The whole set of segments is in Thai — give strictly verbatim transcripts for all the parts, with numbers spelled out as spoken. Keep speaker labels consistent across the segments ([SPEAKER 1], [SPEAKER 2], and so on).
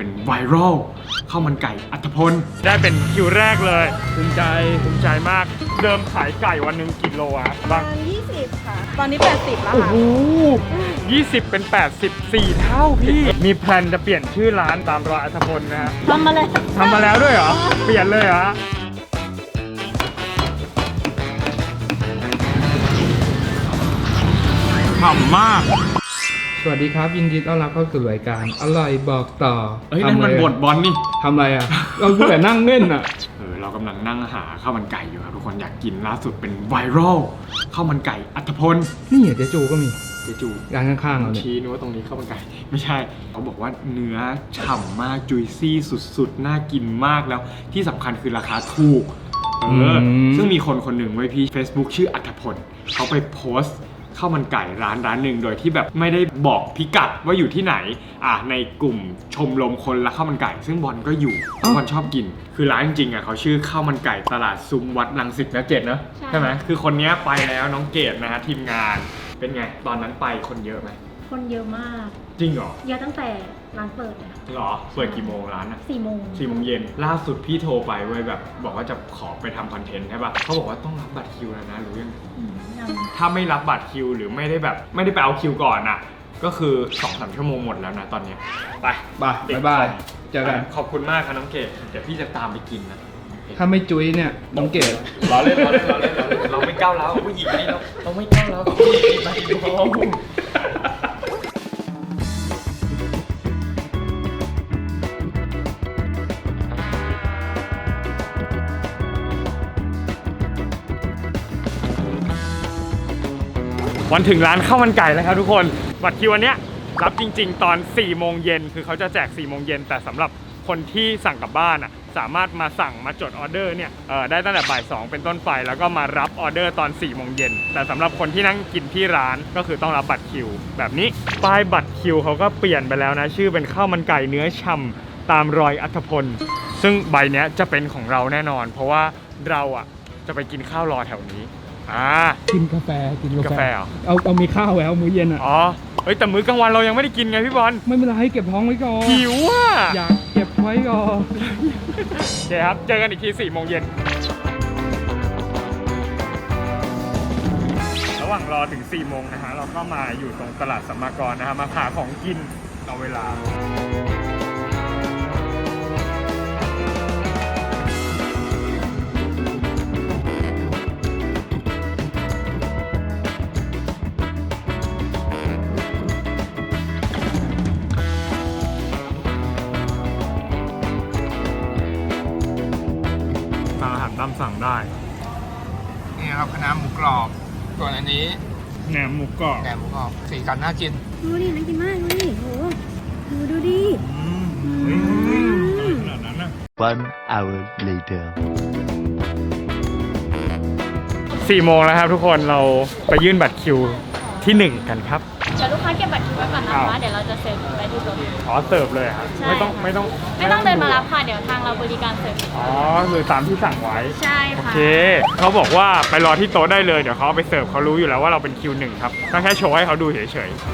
[SPEAKER 1] เป็นไวรัลข้าวมันไก่อัฐพลได้เป็นคิวแรกเลยภูมิใจภูมิใจมากเดิมขายไก่วันหนึ่งกี่โลอะบ้าง
[SPEAKER 2] ยี่สิบค่ะตอนนี้แปดสิบแล้ว
[SPEAKER 1] โอ้
[SPEAKER 2] ค่ะ
[SPEAKER 1] โหยี่สิบเป็นแปดสิบสี่เท่าพี่มีแพลนจะเปลี่ยนชื่อร้านตามรอยอัฐพลนะฮะ
[SPEAKER 2] ทำมาเลย
[SPEAKER 1] ทำมาแล้วด้วยเหรอเปลี่ยนเลยเหรอฉ่ำมาก
[SPEAKER 3] สวัสดีครับยินดีต้อนรับเข้าสู่รายการอร่อยบอกต่อ
[SPEAKER 1] เฮ้ยนั่นมันบทบอลนี่
[SPEAKER 3] ทำอะไรอ่ะ เราพูดแต่นั่งเล่นอ่ะ
[SPEAKER 1] เออเรากำลังนั่งหาข้าวมันไก่อยู่ครับทุกคนอยากกินล่าสุดเป็นไวรัลข้าวมันไก่อัฐพล
[SPEAKER 3] นี่เจ๊จูก็มี
[SPEAKER 1] เจจู
[SPEAKER 3] ร้านข้างๆเราเนี่ย
[SPEAKER 1] ชี้นึกว่าตรงนี้ข้าวมันไก่ไม่ใช่เขาบอกว่าเนื้อฉ่ำมากจุยซี่สุดๆน่ากินมากแล้วที่สำคัญคือราคาถูกเออซึ่งมีคนคนหนึ่งไว้พี่ Facebook ชื่ออัฐพลเขาไปโพสต์ข้าวมันไก่ร้านร้านหนึ่งโดยที่แบบไม่ได้บอกพิกัดว่าอยู่ที่ไหนอ่ะในกลุ่มชมรมคนรักข้าวมันไก่ซึ่งบอลก็อยู่บอลชอบกินคือร้านจริงๆอ่ะเขาชื่อข้าวมันไก่ตลาดซุ้มวัดรังสิตนะเกดเนอะใช่ไหมคือคนนี้ไปแล้วน้องเกดนะฮะทีมงานเป็นไงตอนนั้นไปคนเยอะไหม
[SPEAKER 2] คนเยอะมาก
[SPEAKER 1] จริงเหรอ
[SPEAKER 2] เยอะตั้งแต่ร้านเปิดเลยค่ะ
[SPEAKER 1] หรอเปิดกี่โมงร้านอ่ะ
[SPEAKER 2] สี่โมง
[SPEAKER 1] สี่โมงเย็นล่าสุดพี่โทรไปเว้ยแบบบอกว่าจะขอไปทำคอนเทนต์ใช่ป่ะเขาบอกว่าต้องรับบัตรคิวแล้วนะรู้ยังถ้าไม่รับบัตรคิวหรือไม่ได้แบบไม่ได้ไปเอาคิวก่อนอ่ะก็คือ สองถึงสาม ชั่วโมงหมดแล้วนะตอนนี้ไป
[SPEAKER 3] บายบายบายเจอกัน
[SPEAKER 1] ขอบคุณมากครับน้องเกดเดี๋ยวพี่จะตามไปกินนะ
[SPEAKER 3] ถ้าไม่จุ้ยเนี่ยน้องเกด
[SPEAKER 1] เราเล่นเราเล่นเราเล่นเราไม่ก้าวร้าวผู้หญิงนี่เราเราไม่ก้าวร้าวผู้หญิงไปน้องวันถึงร้านข้าวมันไก่แล้วครับทุกคนบัตรคิววันเนี้ยรับจริงๆตอนสี่โมงเย็นคือเขาจะแจกสี่โมงเย็นแต่สำหรับคนที่สั่งกลับบ้านอ่ะสามารถมาสั่งมาจดออเดอร์เนี่ยเออได้ตั้งแต่บ่ายสองเป็นต้นไปแล้วก็มารับออเดอร์ตอนสี่โมงเย็นแต่สำหรับคนที่นั่งกินที่ร้านก็คือต้องรับบัตรคิวแบบนี้ป้ายบัตรคิวเขาก็เปลี่ยนไปแล้วนะชื่อเป็นข้าวมันไก่เนื้อฉ่ำตามรอยอัฐพลซึ่งใบเนี้ยจะเป็นของเราแน่นอนเพราะว่าเราอ่ะจะไปกินข้าวรอแถวนี้อ่า
[SPEAKER 3] กินกาแฟกินกาแฟ
[SPEAKER 1] เหรอ
[SPEAKER 3] เอาเอามีข้าวแล้วมื้อเย็นอ่ะ
[SPEAKER 1] อ๋อเฮ้ยแต่มื้อกลางวันเรายังไม่ได้กินไงพี่บอล
[SPEAKER 3] ไม่เป็นไรเก็บท้องไว้ก่อน
[SPEAKER 1] หิวอ่ะ
[SPEAKER 3] อยากเก็บไว้ก่อน
[SPEAKER 1] โอเคครับเจอกันอีกทีสี่โมงเย็นระหว่างรอถึงสี่โมงนะฮะเราก็มาอยู่ตรงตลาดสัมมากรนะฮะมาหาของกินเอาเวลาตามสั่งได้
[SPEAKER 3] นี่ครับคณะหมูกรอบส่วนอันนี้
[SPEAKER 1] แหนมหมูกรอบ
[SPEAKER 3] แหนมหมูกรอบสีกันน่ากิน
[SPEAKER 2] ดูดิน่ากินมากเลยโหดูดูดิ
[SPEAKER 1] ขนาดนั้นนะ
[SPEAKER 4] One hour later
[SPEAKER 1] สี่โมงแล้วครับทุกคนเราไปยื่นบัตรคิวที่หนึ่งกันครับ
[SPEAKER 2] เดี๋ยวลูกค้าเก็บบัตรคิวไว้ก่อนนะคะเดี๋ยวเราจะเสิร์ฟไปที่โต๊ะ
[SPEAKER 1] อ๋อเสิร์ฟเลยครับไม่ต้องไม่ต้อง
[SPEAKER 2] ไม่ต้องเดินมารับค่ะเดี๋ยวทางเราบริการเสิร์ฟ
[SPEAKER 1] อ๋อคือตามที่สั่งไว้
[SPEAKER 2] ใช่ค่ะโอ
[SPEAKER 1] เคเขาบอกว่าไปรอที่โต๊ะได้เลยเดี๋ยวเขาเอาไปเสิร์ฟเขารู้อยู่แล้วว่าเราเป็นคิวหนึ่งครับก็แค่โชว์ให้เขาดูเฉยๆ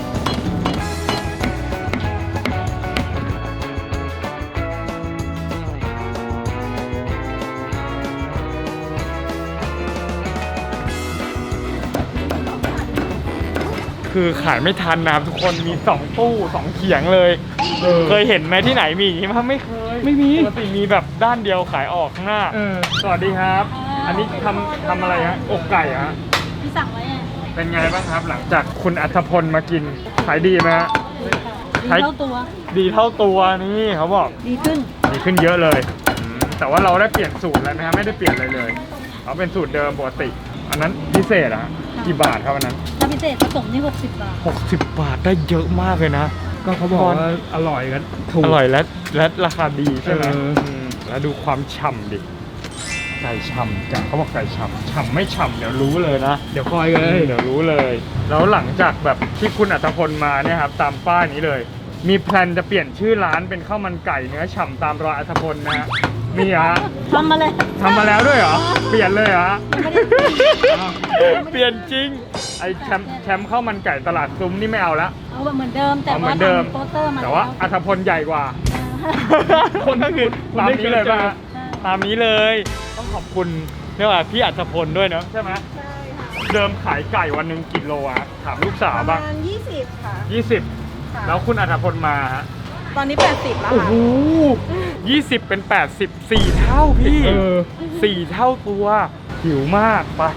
[SPEAKER 1] คือขายไม่ทันนะครับทุกคนมีสองตู้สองเขียงเลยเเคยเห็นไหมที่ไหนมีอย่างนี้มั้ยไม่เคย
[SPEAKER 3] ไม่มี
[SPEAKER 1] ปกติมีแบบด้านเดียวขายออกข้างหน้าสวัสดีครับอันนี้ทำทำอะไรฮะอกไก่ฮะ
[SPEAKER 2] ที่สั่งไว้
[SPEAKER 1] เป็นไงบ้างครับหลังจากคุณอัฐพลมากินขายดีไหมฮะ
[SPEAKER 2] ดีเท่าตัว
[SPEAKER 1] ดีเท่าตัวนี่เขาบอก
[SPEAKER 2] ดีขึ้น
[SPEAKER 1] ดีขึ้นเยอะเลยแต่ว่าเราได้เปลี่ยนสูตรแล้วนะฮะไม่ได้เปลี่ยนอะไรเลยเขาเป็นสูตรเดิมปกติอันนั้นพิเศษอะกี่บาทครับอันนั้น
[SPEAKER 2] ถ้าพิเศษผสมนี่หกสิบบาท
[SPEAKER 1] หกสิบบาทได้เยอะมากเลยนะ
[SPEAKER 3] ก็เขาบอกว่าอร่อยกันถูก
[SPEAKER 1] อร่อยและและราคาดีใช่ไหมแล้วดูความฉ่ำดิไก่ฉ่ำจังเขาบอกไก่ฉ่ำฉ่ำไม่ฉ่ำเดี๋ยวรู้เลยนะ
[SPEAKER 3] เดี๋ยวคอยเลย
[SPEAKER 1] เดี๋ยวรู้เลยแล้วหลังจากแบบที่คุณอัฐพลมาเนี่ยครับตามป้ายนี้เลยมีแพลนจะเปลี่ยนชื่อร้านเป็นข้าวมันไก่เนื้อฉ่ำตามรอยอัฐพลนะฮะมีฮะ
[SPEAKER 2] ทำมาเลย
[SPEAKER 1] ทำมาแล้วด้วยเหรอเปลี่ยนเลยเหรอเปลี่ยนจริงไอ้แชมป์แชมป์ข้าวมันไก่ตลาดซุ้มนี่ไม่เอาละ
[SPEAKER 2] เอาเหมือนเดิมแต่
[SPEAKER 1] ว่าทำโปสเตอร์มาแต่ว่าอัฐพลใหญ่กว่าคนก็คือตามนี้เลยป่ะฮะตามนี้เลย ต้องขอบคุณเรียกว่าพี่อัศพลด้วยเนาะใช่ไหม
[SPEAKER 5] ใช่ค่ะ
[SPEAKER 1] เดิมขายไก่วันหนึ่งกิโลอะถามลูกสาว
[SPEAKER 5] ประ
[SPEAKER 1] บ้าง
[SPEAKER 5] มาณยี่สิบค่ะ
[SPEAKER 1] ยี่สิบ
[SPEAKER 5] ค่ะ
[SPEAKER 1] แล้วคุณอัศพลมาฮะ
[SPEAKER 5] ตอนนี้แปดสิบแล้ว
[SPEAKER 1] โอ้
[SPEAKER 5] ค่ะ
[SPEAKER 1] โหยี่สิบเป็นแปดสิบสี่เท่าพี่
[SPEAKER 3] เออ
[SPEAKER 1] สี่เท่าตัวหิวมากไป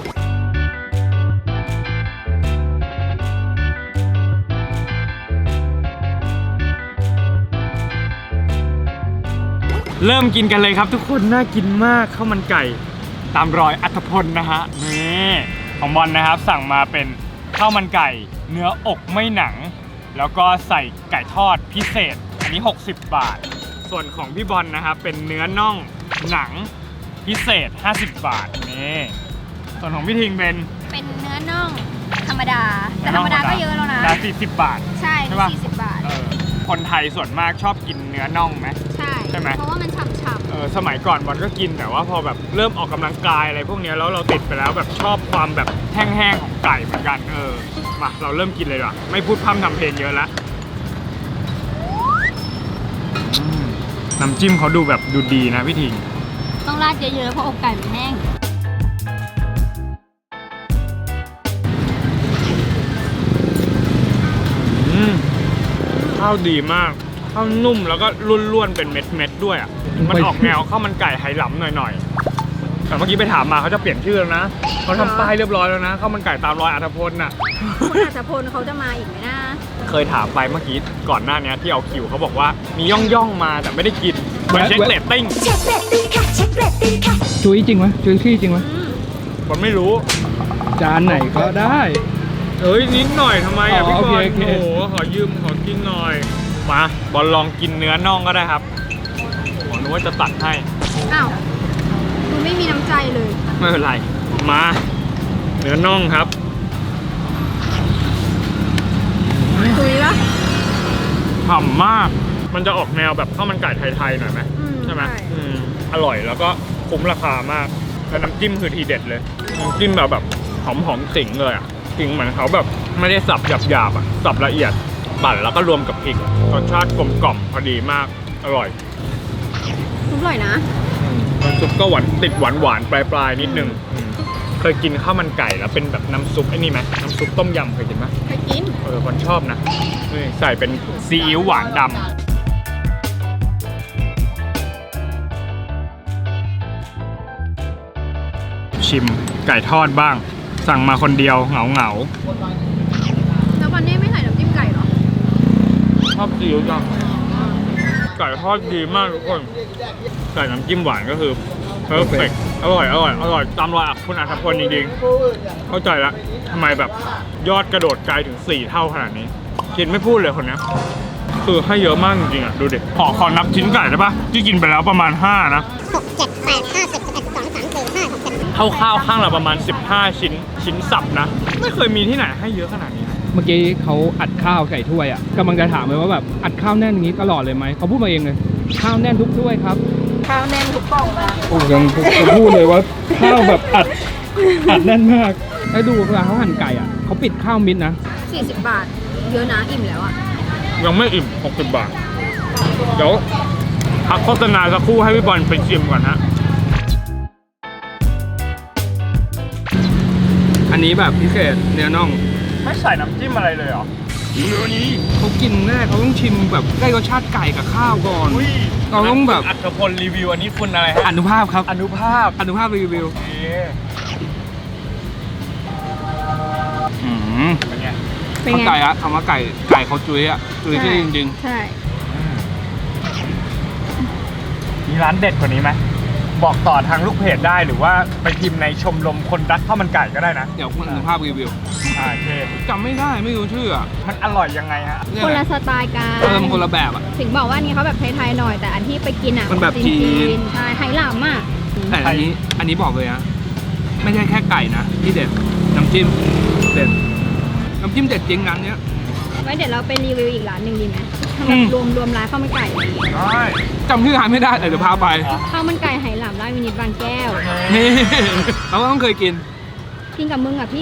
[SPEAKER 1] เริ่มกินกันเลยครับทุกคนน่ากินมากข้าวมันไก่ตามรอยอัธพลนะฮะนี่ของบอลนะครับสั่งมาเป็นข้าวมันไก่เนื้ออกไม่หนัง แล้วก็ใส่ไก่ทอดพิเศษอันนี้หกสิบบาท ส่วนของพี่บอลนะครับเป็นเนื้อน่องหนังพิเศษห้าสิบบาทนี่ส่วนของพี่ทิงเป็น
[SPEAKER 2] เป็นเนื้อน่องธรรมดา แต่ธรรมดาก็เยอะแล้วนะ
[SPEAKER 1] ดาสี่สิบบาท
[SPEAKER 2] ใช่
[SPEAKER 1] ใช่ปะ
[SPEAKER 2] สี่สิบบาท
[SPEAKER 1] เออคนไทยส่วนมากชอบกินเนื้อน่องไหม
[SPEAKER 2] ใช่
[SPEAKER 1] ใช่ไหม
[SPEAKER 2] เพราะว่ามันฉ่ำ
[SPEAKER 1] เออสมัยก่อนบอลก็กินแต่ว่าพอแบบเริ่มออกกำลังกายอะไรพวกเนี้ยแล้วเราติดไปแล้วแบบชอบความแบบแห้งๆของไก่เหมือนกันเออมาเราเริ่มกินเลยดีกว่าไม่พูดพร่ำทำเพลงเยอะละอืมน้ำจิ้มเขาดูแบบดูดีนะพี่ทิง
[SPEAKER 2] ๆต้องราดเยอะๆเพราะอกไก่มันแห้ง
[SPEAKER 1] อืมข้าวดีมากข้าวนุ่มแล้วก็ร่วนๆเป็นเม็ดๆด้วยอ่ะมันออกแนวข้าวมันไก่ไหหลำหน่อยๆแต่เมื่อกี้ไปถามมาเขาจะเปลี่ยนชื่อแล้วนะเขาทำป้ายเรียบร้อยแล้วนะข้าวมันไก่ตามรอยอัธพลน่ะ
[SPEAKER 5] คุณอัศพลเขาจะมาอีกไหมนะ
[SPEAKER 1] เคยถามไปเมื่อกี้ก่อนหน้านี้ที่เอาคิวเขาบอกว่ามีย่องย่องๆมาแต่ไม่ได้กินเหมือนเช็คเรตติ้ง
[SPEAKER 3] จุ้ยจริงไหมจุ้ยขี้จริงไหม
[SPEAKER 1] ผมไม่รู้
[SPEAKER 3] จานไหนก็ได้
[SPEAKER 1] เอ้ยนิดหน่อยทำไมอ่ะ
[SPEAKER 3] อ๋อ
[SPEAKER 1] พี่บอล
[SPEAKER 3] โอเคโอเค
[SPEAKER 1] โอ้โหขอยืมขอกินหน่อยมาบอลลองกินเนื้อน่องก็ได้ครับผมนึกว่าจะตัดให้
[SPEAKER 5] อ้าวคุณไม่มีน้ำใจเลย
[SPEAKER 1] ไม่เป็นไรมาเนื้อน่องครับ
[SPEAKER 5] คุยละ
[SPEAKER 1] ฉ่ำมากมันจะออกแนวแบบข้าวมันไก่ไทยๆหน่อยไหม
[SPEAKER 5] อืม
[SPEAKER 1] ใช่ไหม
[SPEAKER 5] ใช่
[SPEAKER 1] อืมอร่อยแล้วก็คุ้มราคามากแล้วน้ำจิ้มคือทีเด็ดเลยน้ำจิ้มแบบแบบหอมหอมๆขิงเลยอ่ะขิงเหมือนเขาแบบไม่ได้สับหยาบๆอ่ะสับละเอียดปั่นแล้วก็รวมกับพริกรสชาติกลมกล่อมพอดีมากอร่อย
[SPEAKER 5] อร่อยนะ
[SPEAKER 1] น้ำซุปก็หวานติดหวานหวานๆปลายปลายๆนิดนึงอืมเคยกินข้าวมันไก่แล้วเป็นแบบน้ำซุปไอ้นี่ไหมน้ำซุปต้มยำเคยกินไหม
[SPEAKER 5] ไปกิน
[SPEAKER 1] เออคนชอบนะนี่ใส่เป็นซีอิ๊วหวานดำชิมไก่ทอดบ้าง สั่งมาคนเดียวเหงาเหงา
[SPEAKER 5] แล้ววันนี้ไม่ใส่น้ำจิ้มไก่เหรอ
[SPEAKER 1] ๆชอบซีอิ๊วจังไก่ทอดดีมากทุกคนใส่น้ำจิ้มหวานก็คือเพอร์เฟกอร่อยอร่อยอร่อยตามรอยอักคุณอัธพลจริงๆเข้าใจละทำไมแบบยอดกระโดดไกลถึงสี่เท่าขนาดนี้กินไม่พูดเลยคนเนี้ยคือให้เยอะมากจริงๆอ่ะดูดิขอขอนับชิ้นไก่ได้ปะที่กินไปแล้วประมาณห้านะ
[SPEAKER 6] หกเจ็ดแปดห้าสิบสิบเอ็ดสิบสองสิบสามสิบสี่สิบห้าหกเจ็ด
[SPEAKER 1] เท่าข้าวข้างละประมาณสิบห้าชิ้นชิ้นสับนะ ไม่เคยมีที่ไหนให้เยอะขนาดนี้นะ
[SPEAKER 3] เมื่อกี้เขาอัดข้าวใส่ถ้วยอ่ะกำลังจะถามเลยว่าแบบอัดข้าวแน่นอย่างนี้ตลอดเลยไหมเขาพูดมาเองเลยข้าวแน่นทุกถ้วยครับ
[SPEAKER 5] ข้าวแน่นทุกกล่องนะ
[SPEAKER 3] โอ้ยังจะพูดเลยว่าข้าวแบบอัดอัดแน่นมากแล้วดูเวลาเขาหั่นไก่อ่ะเขาปิดข้าวมิดนะ
[SPEAKER 5] สี่สิบบาท เยอะนะอิ่มแล้วอ่ะ
[SPEAKER 1] ยังไม่อิ่มหกสิบบาท เดี๋ยวพักโฆษณาสักครู่ให้พี่บอลไปชิมก่อนฮะ
[SPEAKER 3] อันนี้แบบพิเศษเนื้อน่อง
[SPEAKER 1] ไม่ใส่น้ำจิ้มอะไรเลยเหรอเนื้อนี้
[SPEAKER 3] เขากินแน่เขาต้องชิมแบบได้รสชาติไก่กับข้าวก่อน
[SPEAKER 1] อุ้ย
[SPEAKER 3] เราต้องแบบ
[SPEAKER 1] อัศพลรีวิวอันนี้คุณอะไรฮะ
[SPEAKER 3] อนุภาพครับ
[SPEAKER 1] อนุภาพ
[SPEAKER 3] อนุภาพรีวิว
[SPEAKER 1] โอเค
[SPEAKER 3] อืม
[SPEAKER 1] เป็นไง
[SPEAKER 5] เป็น
[SPEAKER 3] เขา
[SPEAKER 5] ไง
[SPEAKER 3] ไก่อะคำว่าไก่ไก่เขาจุ้ยอะจุ้ยที่จริง
[SPEAKER 5] ใช่
[SPEAKER 1] มีร้านเด็ดกว่านี้ไหมบอกต่อทางลูกเพจได้หรือว่าไปพิมพ์ในชมรมคนรักข้าวมันไก่ก็ได้นะ
[SPEAKER 3] ๆ เดี๋ยวคุณอนุภาพรีวิว
[SPEAKER 1] อ่าโอเค
[SPEAKER 3] จำไม่ได้ไม่รู้ชื่ออะ
[SPEAKER 1] มันอร่อยยังไงฮะ
[SPEAKER 3] เนี่ย
[SPEAKER 5] คนละสไตล์กัน
[SPEAKER 3] เออมันคนละแบบอะ
[SPEAKER 5] ถึงบอกว่าอันนี้เขาแบบไทยๆหน่อย แต่อันที่ไปกินอ่ะ
[SPEAKER 3] มันแบบจีน
[SPEAKER 5] ใช่ไหหลามอ่ะ
[SPEAKER 3] แต่อันนี้อันนี้บอกเลยนะไม่ใช่แค่ไก่นะที่เด็ดน้ำจิ้มเด็ดน้ำจิ้มเด็ดจริงร้านเนี้ย
[SPEAKER 5] ไว้เดี๋ยวเราไปรีวิวอีกร้านหนึ่งดีไหมทำ
[SPEAKER 3] อื
[SPEAKER 5] แบบ
[SPEAKER 3] ม
[SPEAKER 5] รวมรวมร้านข้าวมันไก่
[SPEAKER 1] ได้
[SPEAKER 3] จำชื่อร้านไม่ได้แต่เดี๋ยวพาไป
[SPEAKER 5] ข้าวมันไก่ไหหลามร้านวินิตบางแก้ว
[SPEAKER 3] นี่ เราก็ต้องเคยกิน
[SPEAKER 5] กินกับมึงอ่ะพี่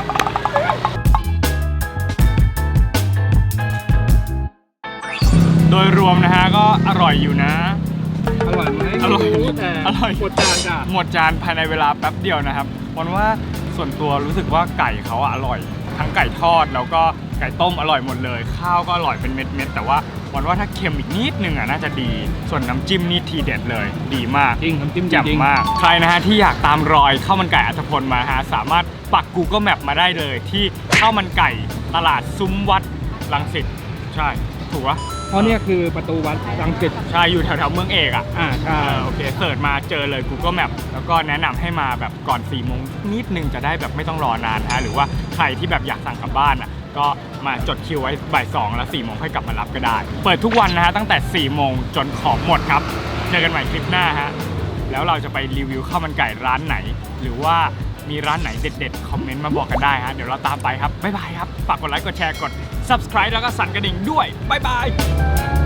[SPEAKER 1] โโดยรวมนะฮะก็อร่อยอยู่นะ
[SPEAKER 3] อร่อยไหม
[SPEAKER 1] อร่อย
[SPEAKER 3] ไม่แต่
[SPEAKER 1] อร่อย
[SPEAKER 3] หมดจานจ้ะ
[SPEAKER 1] หมดจานภายในเวลาแป๊บเดียวนะครับวันว่าส่วนตัวรู้สึกว่าไก่เขาอะอร่อย ทั้งไก่ทอดแล้วก็ไก่ต้มอร่อยหมดเลย ข้าวก็อร่อยเป็นเม็ดๆแต่ว่าวันว่าถ้าเค็มอีกนิดนึงอะน่าจะดี ส่วนน้ำจิ้มนี่ทีเด็ดเลยดีมาก
[SPEAKER 3] จริงน้ำจิ้ม
[SPEAKER 1] แจ่ม
[SPEAKER 3] จริง
[SPEAKER 1] มาก ใครนะฮะที่อยากตามรอยข้าวมันไก่อัฐพลมาฮะสามารถปัก Google Map มาได้เลยที่ข้าวมันไก่ตลาดซุ้มวัดรังสิตใช่ถูกปะ
[SPEAKER 3] เพราะเนี่ยคือประตูวัดรังสิต
[SPEAKER 1] ใช่อยู่แถวๆเมืองเอกอ่ะ
[SPEAKER 3] อ่าใช่
[SPEAKER 1] เออโอเคเสิร์ชมาเจอเลย Google Map แล้วก็แนะนำให้มาแบบก่อนสี่โมงนิดนึงจะได้แบบไม่ต้องรอนานฮะหรือว่าใครที่แบบอยากสั่งกลับบ้านอ่ะก็มาจดคิวไว้บ่ายสองแล้วสี่โมงค่อยกลับมารับก็ได้ เปิดทุกวันนะฮะตั้งแต่สี่โมงจนของหมดครับเจอกันใหม่คลิปหน้าฮะแล้วเราจะไปรีวิวข้าวมันไก่ร้านไหน หรือว่ามีร้านไหนเด็ดๆคอมเมนต์มาบอกกันได้ฮะเดี๋ยวเราตามไปครับบ๊ายบายครับฝากกดไลค์กดแชร์กด Subscribe แล้วก็สั่นกระดิ่งด้วยบ๊ายบาย